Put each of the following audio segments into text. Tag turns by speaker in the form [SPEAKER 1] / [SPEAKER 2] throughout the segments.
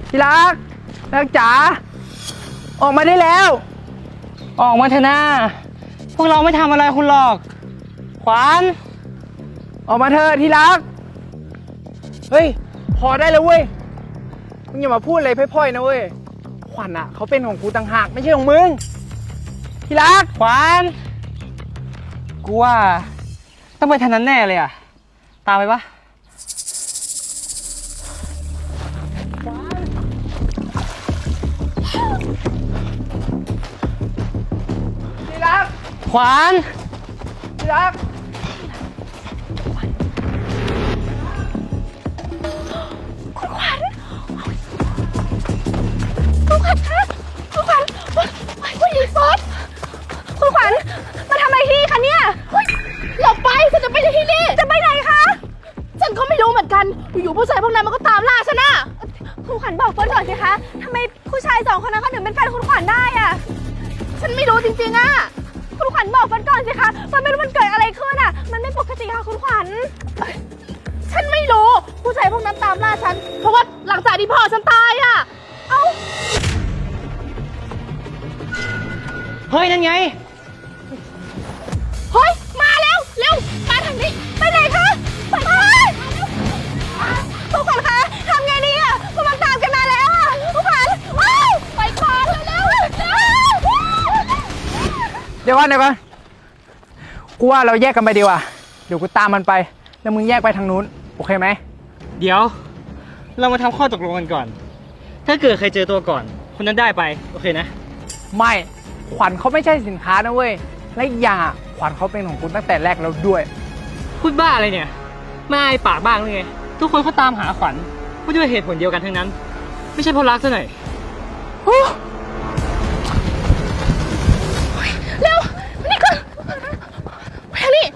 [SPEAKER 1] ที่รักจ๋าออกมาได้แล้ว
[SPEAKER 2] ออกมาเถอะนะพวกเราไม่ทำอะไรคุณหรอกขวัญ
[SPEAKER 1] ออกมาเถอะที่รักเฮ้ยพอได้แล้วเว้ยมึงอย่ามาพูดอะไรพร่อยๆนะเว้ยขวัญอ่ะเขาเป็นของกูต่างหากไม่ใช่ของมึงที่รัก
[SPEAKER 2] ขวัญกูว่าต้องไปทางนั้นแน่เลยอ่ะตามไปปะ
[SPEAKER 1] ที่รัก
[SPEAKER 2] ขวัญ
[SPEAKER 1] ที่รัก
[SPEAKER 3] คุณขวัญคุณขวัญคะคุณขวัญผู้หญิงซดคุณขวัญมาทำอะไรที่นี่คะเนี่ยหลบไปฉันจะไปที่นี่จะไปไหนคะฉันก็ไม่รู้เหมือนกันอยู่ๆผู้ชายพวกนั้นมันก็ตามล่าฉันน่ะคุณขวัญบอกเฟิร์นก่อนสิคะทำไมผู้ชาย2 คนนั้นเขาถึงเป็นแฟนคุณขวัญได้อะฉันไม่รู้จริงๆอะคุณขวัญบอกเฟิร์นก่อนสิคะเฟิร์นไม่รู้มันเกิดอะไรขึ้นอะมันไม่ปกติค่ะคุณขวัญฉันไม่รู้ผู้ชายพวกนั้นตามล่าฉันเพราะว่าหลังจากที่พ่อฉันตายอะเอ้า
[SPEAKER 2] เฮ้ยนั่นไง
[SPEAKER 3] เฮ้ยมาแล้วเร็วมาทางนี้ไปไหนคะไปคุณขวัญคะทำไงดีอะมันตามกันมาแล้วอะคุณขวัญไปก่อนเร็ว
[SPEAKER 1] เดี๋ยวก่อนกูว่าเราแยกกันไปดีกว่าเดี๋ยวกูตามมันไปแล้วมึงแยกไปทางนู้นโอเคไหม
[SPEAKER 2] เดี๋ยวเรามาทำข้อตกลงกันก่อนถ้าเกิดใครเจอตัวก่อนคนนั้นได้ไปโอเคนะ
[SPEAKER 1] ไม่ขวัญเขาไม่ใช่สินค้านะเว้ยและอีกอย่างอ่ะขวัญเขาเป็นของคุณตั้งแต่แรกแล้วด้วย
[SPEAKER 2] พูดบ้าอะไรเนี่ยไม่อายปากบ้างเลยไงทุกคนเขาตามหาขวัญก็ด้วยเหตุผลเดียวกันทั้งนั้นไม่ใช่เพราะรักซะหน่อย
[SPEAKER 3] เร็วนี่ก่อนไปทางนี้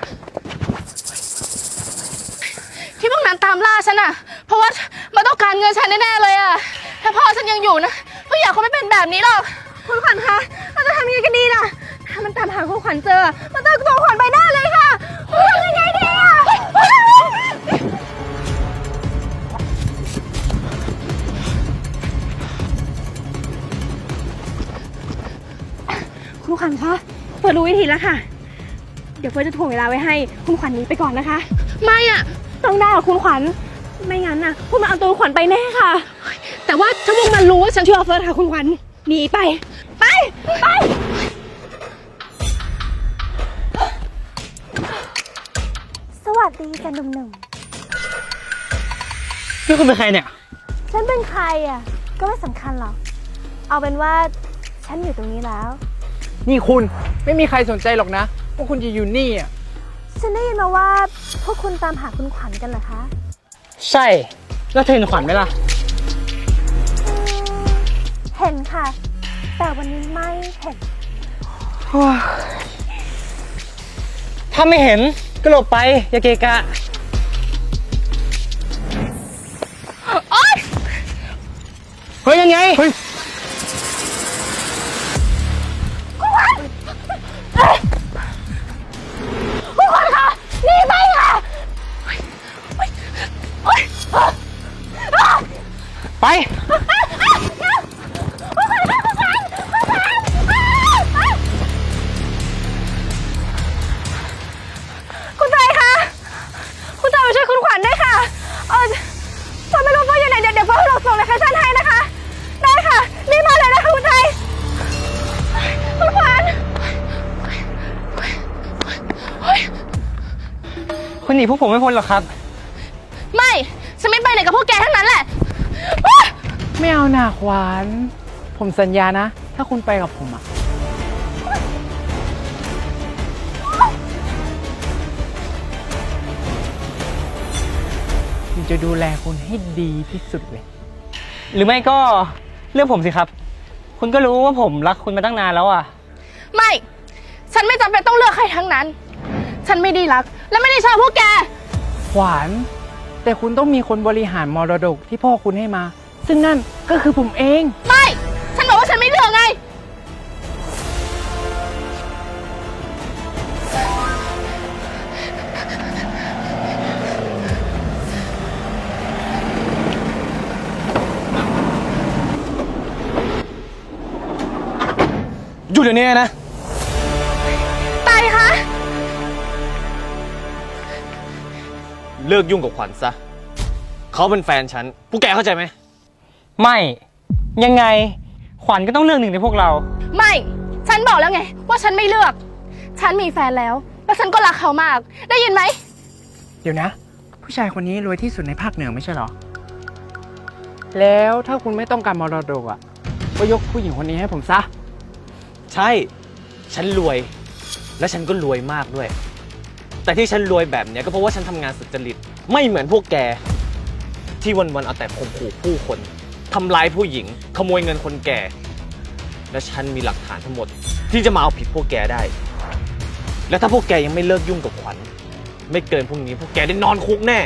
[SPEAKER 3] ที่พวกนั้นตามล่าฉันอะเพราะว่ามันต้องการเงินฉันแน่ๆเลยอะถ้าพ่อฉันยังอยู่นะก็อยากเขาไม่เป็นแบบนี้หรอกคุณขวัญคะเราจะทำยังไงกันดีล่ะถ้ามันตามหาคุณขวัญเจอมันต้องตัวขวัญไปหน้าเลยค่ะทำยังไงดีอะคุณขวัญคะเฟิร์นรู้วิธีแล้วค่ะเดี๋ยวเฟิร์นจะถ่วงเวลาไว้ให้คุณขวัญหนีไปก่อนนะคะไม่อะต้องได้กับคุณขวัญไม่งั้นน่ะพวกมันเอาตัวขวัญไปแน่ค่ะแต่ว่าถ้าพวกมันรู้ว่าฉันชื่อเฟิร์นค่ะคุณขวัญหนีไป
[SPEAKER 4] สวัสดีจ้ะหนุ่ม
[SPEAKER 2] นี่คุณเป็นใครเนี่ย
[SPEAKER 4] ๆฉันเป็นใครอ่ะก็ไม่สำคัญหรอกเอาเป็นว่าฉันอยู่ตรงนี้แล้ว
[SPEAKER 1] นี่คุณไม่มีใครสนใจหรอกนะว่าคุณจะอยู่นี่อ่ะ
[SPEAKER 4] ฉันได้ยินมาว่าพวกคุณตามหาคุณขวัญกันเหรอคะ
[SPEAKER 2] ใช่แล้วเธอเห็นขวัญไหมล่ะ
[SPEAKER 4] เห็นค่ะแต่วันนี้ไม่เห็น
[SPEAKER 2] ถ้าไม่เห็นก็หลบไปอย่าเกะกะเฮ้ยยังไง
[SPEAKER 1] เฮ้ย
[SPEAKER 3] คุณขวัญคะหนีไปค่ะ
[SPEAKER 2] ไป
[SPEAKER 3] คุณใจคะคุณใจมาช่วยคุณขวัญด้วยค่ะฉันไม่รู้ว่าอยู่ไหนเดี๋ยวเฟิร์นส่งโลเคชั่นให้นะคะได้ค่ะรีบมาเลยนะคะคุณใจคุณขวัญ
[SPEAKER 2] คุณหนีพวกผมไม่พ้นหรอกครับ
[SPEAKER 3] ไม่ฉันไม่ไปไหนกับพวกแกทั้งนั้นแหละ
[SPEAKER 1] ไม่เอาหน่าขวัญผมสัญญานะถ้าคุณไปกับผมอ่ะผมจะดูแลคุณให้ดีที่สุดเลย
[SPEAKER 2] หรือไม่ก็เรื่องผมสิครับคุณก็รู้ว่าผมรักคุณมาตั้งนานแล้วอ่ะ
[SPEAKER 3] ไม่ฉันไม่จำเป็นต้องเลือกใครทั้งนั้นฉันไม่ได้รักและไม่ได้ชอบพวกแก
[SPEAKER 1] ขวัญแต่คุณต้องมีคนบริหารมรดกที่พ่อคุณให้มาซึ่งนั่นก็คือผมเอง
[SPEAKER 3] ไม่ฉันบอกว่าฉันไม่เลือกไง
[SPEAKER 2] เดี๋ยวนี้นะ
[SPEAKER 3] ไตคะ
[SPEAKER 5] เลิกยุ่งกับขวัญซะ เขาเป็นแฟนฉัน พวกแกเข้าใจไหม
[SPEAKER 2] ไม่ ยังไง ขวัญก็ต้องเลือกหนึ่งในพวกเรา
[SPEAKER 3] ไม่ ฉันบอกแล้วไง ว่าฉันไม่เลือก ฉันมีแฟนแล้ว แล้วฉันก็รักเขามาก ได้ยินไหม
[SPEAKER 1] เดี๋ยวนะ ผู้ชายคนนี้รวยที่สุดในภาคเหนือไม่ใช่เหรอ แล้วถ้าคุณไม่ต้องการมรดกอ่ะ ก็ยกผู้หญิงคนนี้ให้ผมซะ
[SPEAKER 5] ใช่ ฉันรวย และฉันก็รวยมากด้วย แต่ที่ฉันรวยแบบเนี้ยก็เพราะว่าฉันทำงานสุจริต ไม่เหมือนพวกแก ที่วันๆเอาแต่ข่มขู่ผู้คนทำร้ายผู้หญิง ขโมยเงินคนแก่ และฉันมีหลักฐานทั้งหมด ที่จะมาเอาผิดพวกแกได้ และถ้าพวกแกยังไม่เลิกยุ่งกับขวัญ ไม่เกินพรุ่งนี้พวกแกได้นอนคุกแน่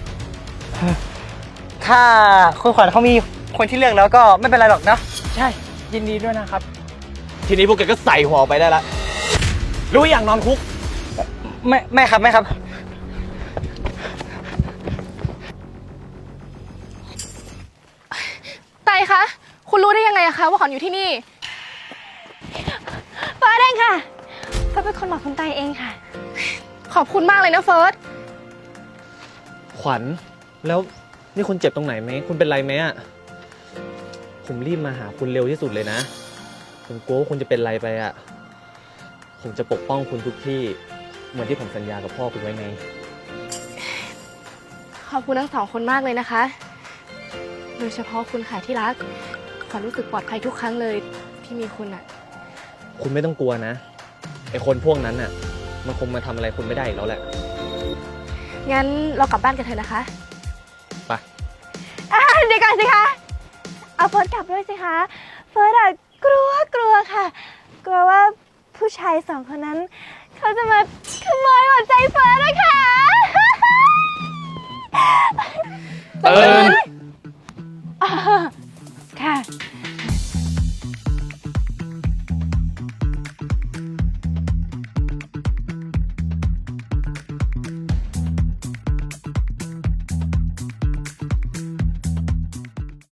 [SPEAKER 2] ถ้าคุณขวัญเขามีคนที่เลือกแล้วก็ไม่เป็นไรหรอกนะ
[SPEAKER 1] ใช่ ยินดีด้วยนะครับ
[SPEAKER 5] ทีนี้พวกแกก็ใส่หัวออกไปได้ละรู้อย่างนอนคุก
[SPEAKER 2] ไม่ครับ ไม่ครับ
[SPEAKER 3] ไตคะ คุณรู้ได้ยังไงอะคะว่าขวัญอยู่ที่นี่
[SPEAKER 4] เฟิร์สเองค่ะ เฟิร์สเป็นคนบอกคุณไตเองค่ะ
[SPEAKER 3] ขอบคุณมากเลยนะเฟิร์ส
[SPEAKER 5] ขวัญ แล้วนี่คุณเจ็บตรงไหนไหม คุณเป็นไรไหมอ่ะ ผมรีบมาหาคุณเร็วที่สุดเลยนะ ผมกลัวว่าคุณจะเป็นไรไปอ่ะ ผมจะปกป้องคุณทุกที่ เหมือนที่ผมสัญญากับพ่อคุณไว้ไง
[SPEAKER 3] ขอบคุณทั้งสองคนมากเลยนะคะ โดยเฉพาะคุณค่ะที่รัก ขวัญรู้สึกปลอดภัยทุกครั้งเลยที่มีคุณอะ
[SPEAKER 5] คุณไม่ต้องกลัวนะ ไอคนพวกนั้นน่ะ มันคงมาทำอะไรคุณไม่ได้อีกแล้วแหละ
[SPEAKER 3] งั้นเรากลับบ้านกันเถอะนะคะ
[SPEAKER 5] ไป
[SPEAKER 4] เดี๋ยวก่อนสิคะ เอาเฟิร์สกลับด้วยสิคะ เฟิร์สอะกลัวค่ะ กลัวว่าผู้ชายสองคนนั้น เขาจะมาขโมยหัวใจเฟิร์สนะคะ
[SPEAKER 5] ตื่น